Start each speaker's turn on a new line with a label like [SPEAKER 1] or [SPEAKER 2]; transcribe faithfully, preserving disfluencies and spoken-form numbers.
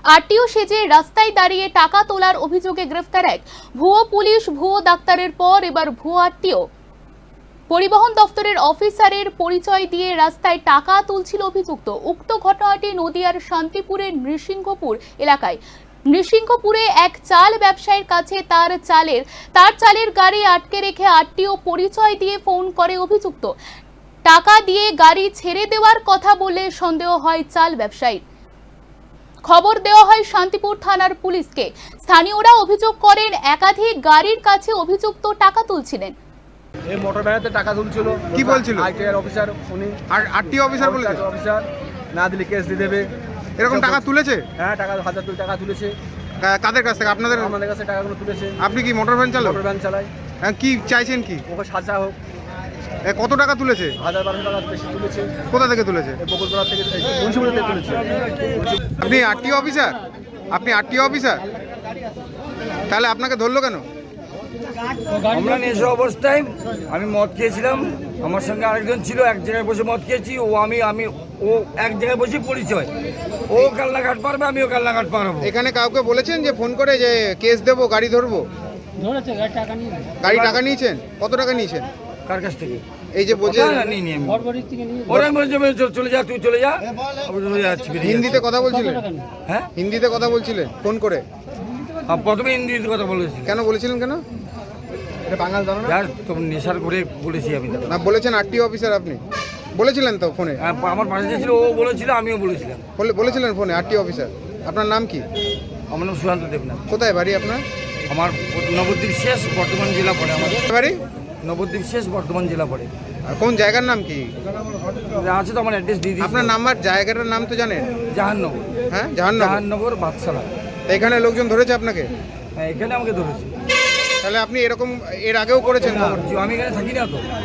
[SPEAKER 1] RTO সেজে রাস্তায় দাঁড়িয়ে টাকা তোলার অভিযোগে গ্রেফতার এক ভুয়ো পুলিশ ভুয়ো ডাক্তারের পর এবার ভুয়ো আরটিও। পরিবহন দফতরের অফিসারের পরিচয় দিয়ে রাস্তায় টাকা তুলছিল অভিযুক্ত। উক্ত ঘটনাটি নদিয়ার শান্তিপুরের নৃসিংহপুর এলাকায়। নৃসিংহপুরে এক চাল ব্যবসায়ীর কাছে তার চালের তার চালের গাড়ি আটকে রেখে আরটিও পরিচয় দিয়ে ফোন করে অভিযুক্ত। টাকা দিয়ে গাড়ি ছেড়ে দেওয়ার কথা বলে সন্দেহ হয় চাল ব্যবসায়ীর। খবর দেওয়া হয় শান্তিপুর থানার পুলিশকে। স্থানীয়রা অভিযোগ করেন একাধিক গাড়ির কাছে অভিযুক্ত টাকা তুলছিলেন।
[SPEAKER 2] এই মোটর ভ্যানেতে টাকা তুলছিল।
[SPEAKER 3] কি বলছিল?
[SPEAKER 2] আইটিআর অফিসার উনি।
[SPEAKER 3] আর আরটিও অফিসার বলেছে
[SPEAKER 2] অফিসার না দিলে কেস দিয়ে দেবে।
[SPEAKER 3] এরকম টাকা তুলেছে?
[SPEAKER 2] হ্যাঁ, টাকা হাজার দুই টাকা তুলেছে।
[SPEAKER 3] কা- কাদের কাছ থেকে? আপনাদের?
[SPEAKER 2] আমাদের কাছে টাকাগুলো তুলেছে।
[SPEAKER 3] আপনি কি মোটর ভ্যান চালক?
[SPEAKER 2] মোটর ভ্যান চালাই।
[SPEAKER 3] হ্যাঁ, কি চাইছেন কি?
[SPEAKER 2] ওকে সাজা হোক।
[SPEAKER 3] এ, কত টাকা তুলেছে?
[SPEAKER 2] হাজার বারোশো টাকা বেশি তুলেছে।
[SPEAKER 3] কোথা থেকে তুলেছে?
[SPEAKER 2] এই বকুলতলা থেকে মুন্সিপাল থেকে তুলেছে।
[SPEAKER 3] আপনি আরটিও অফিসার? আপনি আরটিও অফিসার? তাহলে আপনাকে ধরলো কেন?
[SPEAKER 4] আমরা নেশা অবস্থায় আমি মদ খেয়েছিলাম, আমার সঙ্গে আরেকজন ছিল, এক জায়গায় বসে মদ খেয়েছি। ও আমি আমি ও এক জায়গায় বসে পরিচয়, ও কালনাঘাট পারবে, আমিও কালনাঘাট পারবো।
[SPEAKER 3] এখানে কাউকে বলেছেন যে ফোন করে যে কেস দেবো, গাড়ি ধরবো?
[SPEAKER 5] ধরেছে গাড়ি টাকা নিয়ে
[SPEAKER 3] গাড়ি টাকা নিয়েছেন? কত টাকা নিয়েছেন?
[SPEAKER 4] কার কাছ থেকে?
[SPEAKER 3] এই যে বলছে
[SPEAKER 4] না, না, নিই নি আমি।
[SPEAKER 5] ঘরবাড়ির থেকে নিয়ে
[SPEAKER 4] ওরা আমি বলছি, আমি চল- চলে যা, তুই চলে যা। আমি চলে যাচ্ছি, বেরিয়ে
[SPEAKER 3] হিন্দিতে
[SPEAKER 4] যাচ্ছি।
[SPEAKER 3] কথা বলছিলেন?
[SPEAKER 5] টাকা নিয়ে
[SPEAKER 4] হ্যাঁ,
[SPEAKER 3] হিন্দিতে কথা বলছিলেন ফোন করে?
[SPEAKER 4] আর প্রথমে হিন্দিতে কথা বলেছি।
[SPEAKER 3] কেন বলেছিলেন কেন?
[SPEAKER 2] এটা বাঙাল জানো না?
[SPEAKER 4] যার তো নেশার করে বলেছি আমি তাকে।
[SPEAKER 3] না, বলেছেন আরটিও অফিসার আপনি? বলেছিলেন তো ফোনে?
[SPEAKER 4] আর আমার পাশে যে ছিল ও বলেছিল, আমিও বলেছিলাম।
[SPEAKER 3] বলে- বলেছিলেন ফোনে আরটিও অফিসার? আপনার নাম কি?
[SPEAKER 4] আমার নাম সুশান্ত দেবনাথ।
[SPEAKER 3] কোথায় বাড়ি আপনার?
[SPEAKER 4] আমার নবদ্বীপ শেষ বর্ধমান জেলা পড়ে। আমাদের
[SPEAKER 3] বাড়ি
[SPEAKER 4] নবদ্বীপ শেষ বর্ধমান জেলা পড়ে।
[SPEAKER 3] আর কোন জায়গার নাম কি?
[SPEAKER 4] আছে তো, আমার অ্যাড্রেস দিয়ে দিয়েছি।
[SPEAKER 3] আপনার নাম্বার, জায়গাটার নাম তো জানেন?
[SPEAKER 4] জাহান্নগর।
[SPEAKER 3] হ্যাঁ, জাহান্নাম।
[SPEAKER 4] জাহান্নগর বাদশালা।
[SPEAKER 3] এখানে লোকজন ধরেছে আপনাকে?
[SPEAKER 4] হ্যাঁ, এখানে আমাকে ধরেছে।
[SPEAKER 3] তাহলে আপনি এরকম এর আগেও করেছেন?
[SPEAKER 4] না, আমি এখানে থাকি না তো।